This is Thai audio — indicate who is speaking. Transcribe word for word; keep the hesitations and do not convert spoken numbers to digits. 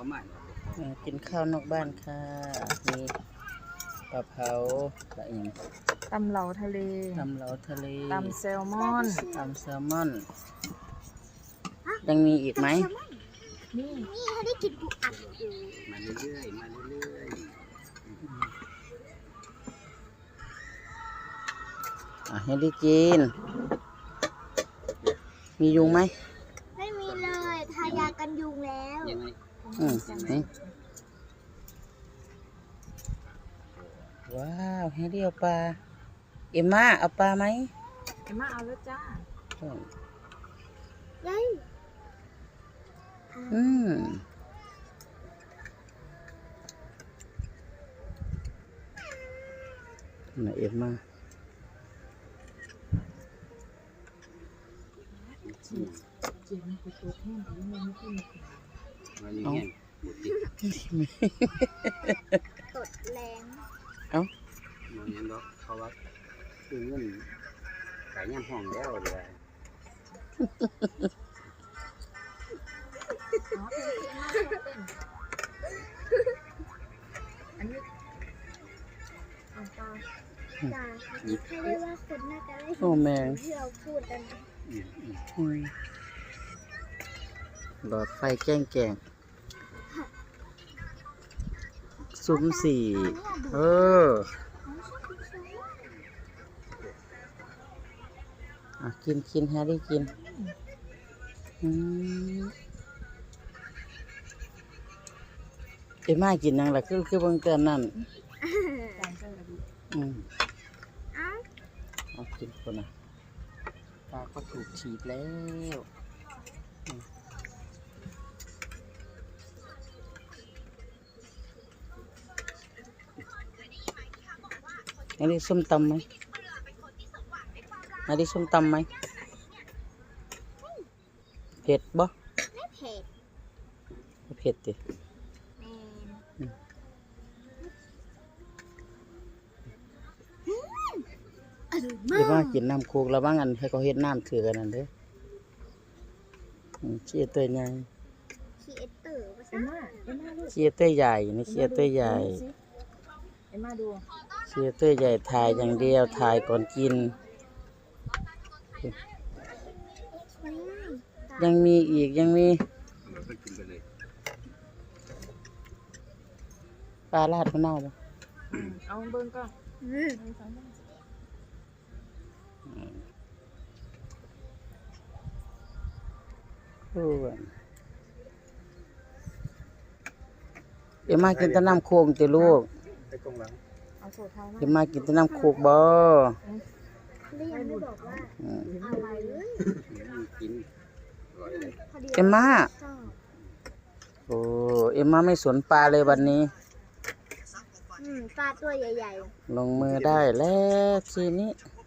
Speaker 1: เขาใหม่
Speaker 2: กินข้าวนอกบ้านค่ะมีปลาเผาปลาอย่าง
Speaker 3: ตำเหลาทะเล
Speaker 2: ตำเหลาทะเล
Speaker 3: ตำแซลมอน
Speaker 2: ตำแซลมอนยังมีอีกไหม
Speaker 3: นี่
Speaker 4: นี่เขาได้กินปูอัดอยู่
Speaker 1: มาเรื่อยๆมาเรื่อย
Speaker 2: อ่ะให้ได้กิน มียุงไหม
Speaker 4: ไม่มีเลยทายากันยุงแล้ว
Speaker 1: ๆยังไง
Speaker 2: อืมอืมว้าวให้เรียวปลาเอ็มม่าเอาปลาไหม
Speaker 3: เอ็มมาเอาแล้วจ้า
Speaker 4: ยัย
Speaker 2: อืมน่ะเอ็มม่า
Speaker 3: เจียนไปตัวแห้งหรือมันไม่ขึ้น
Speaker 1: มาอย่างเงี้ยหมดติด
Speaker 4: ตดแรง
Speaker 2: เอ้า
Speaker 1: มาอย่างนั้นเพราะว่าคือเงินขายย่ำห้องแล้วเลย
Speaker 3: อันนี้เอาปลา
Speaker 4: จ้าเขาเรียกว่าคนน่าจะได้
Speaker 2: โอ้แมง
Speaker 4: ที่เราพูดกันนะ
Speaker 1: อืมอืม
Speaker 2: อืมหลอดไฟแจ้งแจงซุ้มสี่เอออ่ะกินกินแฮร์รี่กินอืมเอ็มม่ากินยังล่ะคือคือเบางเตือนนั่น
Speaker 3: จานเจ้าระดิ
Speaker 2: อืม
Speaker 4: เอ้า
Speaker 2: เอากินคนนะปลาก็ถูกฉีดแล้วอืมอันนี้ส้มตำไหมอันนี้ส้มตำไหมเผ็ดบ่
Speaker 4: ไม่เผ็ด
Speaker 2: เผ็ดดิ
Speaker 4: แมนอร่อย
Speaker 2: เดี๋ยว
Speaker 4: มา
Speaker 2: ว่าก กินน้ำโคกแล้วบ้างอันให้เขาเฮ็ดน้ำถือกันนั่นเด้ออืมเชียร์ตัวใหญ่
Speaker 4: คีเอเตอร์ภา
Speaker 3: เอ็
Speaker 4: ษาม
Speaker 3: มาเอ็มมาลูก
Speaker 2: เชียร์ตัวใหญ่นี่เชียร์ตัวใหญ่
Speaker 3: เอ็มมาดู
Speaker 2: เชียร์ตัวใหญ่ถ่ายอย่างเดียวถ่ายก่อนกิน
Speaker 4: อืม
Speaker 2: ยังมีอีกยังมี
Speaker 1: เราไปกินไปเลย
Speaker 2: ปลาลาดมะนาวบ่
Speaker 3: เอาเบิ้งก่อน
Speaker 4: อืม
Speaker 3: หนึ่งสองสาม
Speaker 2: โอ้ยเดี๋ยวมากินแต่น้ำโคกติลูก
Speaker 1: ไปตรงหลัง
Speaker 3: เอาโซทามา
Speaker 2: เดี๋ยวมากินแต่น้ำโคกบ่
Speaker 4: เรียนไม่บอกว่า
Speaker 2: อืม
Speaker 4: อะไรเลย
Speaker 1: กินอร่อยเลย
Speaker 4: พอดี
Speaker 2: เอ็มม่า
Speaker 4: ชอบ
Speaker 2: โอ้เอ็มม่าไม่สนปลาเลยวันนี้
Speaker 4: อืมปลาตัวใหญ่
Speaker 2: ลงมือได้แล้วทีนี้
Speaker 4: ๆ